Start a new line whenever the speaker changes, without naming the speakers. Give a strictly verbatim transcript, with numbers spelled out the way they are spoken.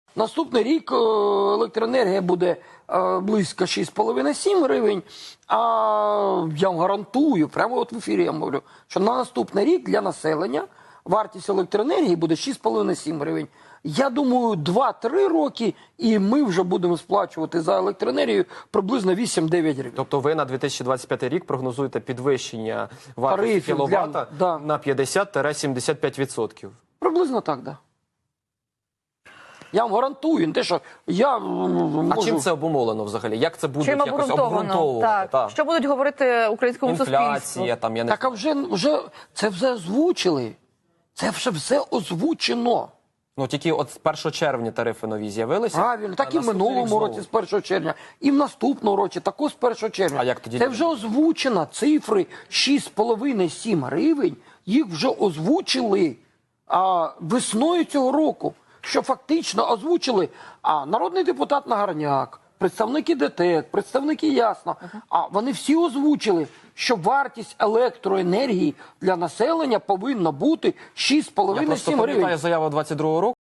Наступний рік електроенергія буде близько шість з половиною - сім гривень, а я вам гарантую, прямо от в ефірі я говорю, що на наступний рік для населення вартість електроенергії буде шість з половиною - сім гривень. Я думаю, два-три роки, і ми вже будемо сплачувати за електроенергію приблизно вісім-дев'ять гривень.
Тобто ви на дві тисячі двадцять п'ятий рік прогнозуєте підвищення вартості кіловата
да.
на п'ятдесят - сімдесят п'ять відсотків?
Приблизно так, так. Да. Я вам гарантую, не те, що я можу...
А чим це обумовлено взагалі? Як це буде якось обґрунтовувати?
Так. Так. Що будуть говорити українському
Інфляція,
суспільству?
там, я не...
Так, а вже, вже це все озвучили. Це вже все озвучено.
Ну, тільки от з першого червня тарифи нові з'явилися.
Правильно, так і в минулому році з першого червня, і в наступному році також з першого червня.
А як тоді?
Це вже озвучено, цифри шість з половиною - сім гривень, їх вже озвучили а, весною цього року, що фактично озвучили а, народний депутат Нагорняк, представники ДТЕК, представники Ясно, а вони всі озвучили, що вартість електроенергії для населення повинна бути шість з половиною - сім гривень.
Я просто пам'ятаю заяву двадцять другого року.